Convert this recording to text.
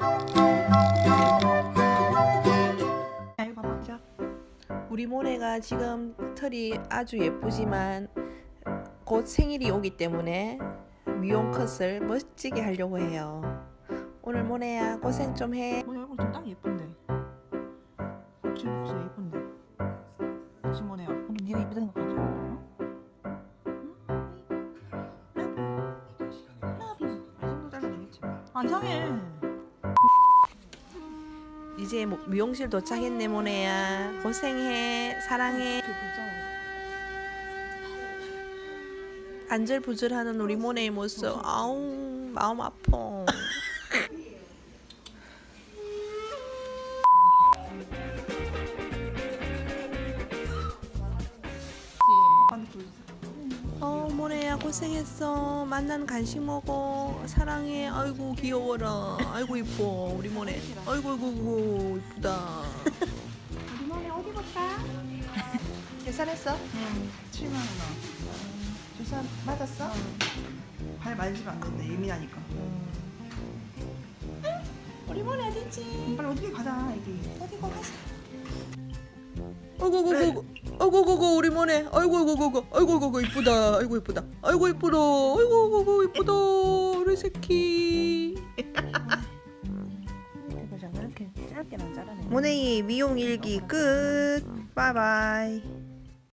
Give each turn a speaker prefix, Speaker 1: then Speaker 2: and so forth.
Speaker 1: 이거 봐봐. 자, 우리 모네가 지금 털이 아주 예쁘지만 곧 생일이 오기 때문에 미용 컷을 멋지게 하려고 해요. 오늘 모네야 고생 좀 해.
Speaker 2: 모네 얼굴 좀 딱 예쁜데. 지금 목소리 예쁜데. 지금 모네야. 오늘 네가 예쁘다 생각하지? 안 상해.
Speaker 1: 이제 미용실 도착했네 모네야. 고생해. 사랑해. 안절부절하는 우리 모네의 모습. 아우 마음 아파. 모네야 고생했어. 만난 간식 먹어. 사랑해. 아이고 귀여워라. 아이고 이뻐 우리 모네. 아이고 아이고 이쁘다.
Speaker 3: 우리 모네 어디 볼까?
Speaker 1: 계산했어?
Speaker 2: 응. 7만 원.
Speaker 1: 주사 맞았어?
Speaker 2: 발 만지면 안 된다. 예민하니까.
Speaker 1: 우리 모네 어딨지?
Speaker 2: 빨리 어떻게 가자 애기.
Speaker 1: 어디고 가자. 아이고 아이고 우리 모네. 아이고 이쁘다. 아이고 이쁘다. 아이고 이쁘다. 아이고 이쁘다. 우리 새끼.
Speaker 2: 이거 자 이렇게 짧게만 자르네.
Speaker 1: 모네이 미용 일기 끝. 바이바이.